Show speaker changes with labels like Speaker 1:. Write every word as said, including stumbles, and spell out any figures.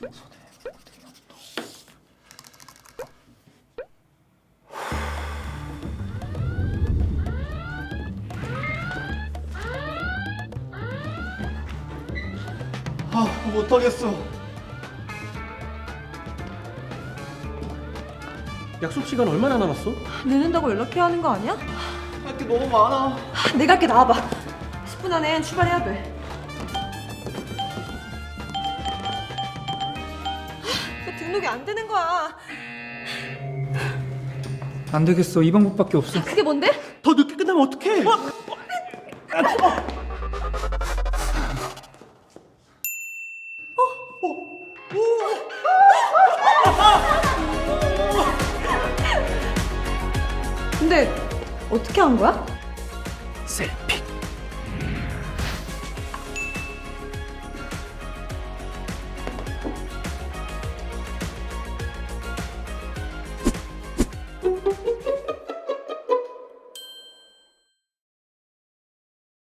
Speaker 1: 아, 못하겠어.
Speaker 2: 약속 시간 얼마나 남았어?
Speaker 3: 늦는다고 연락해야 하는 거 아니야?
Speaker 1: 할 게 너무 많아.
Speaker 3: 내가 할게. 나와봐. 십 분 안엔 출발해야 돼. 왜 등록이 안 되는 거야?
Speaker 4: 안 되겠어. 이 방법밖에 없어.
Speaker 3: 그게 뭔데?
Speaker 2: 더 늦게 끝나면 어떡해?
Speaker 3: 근데 어떻게 한 거야?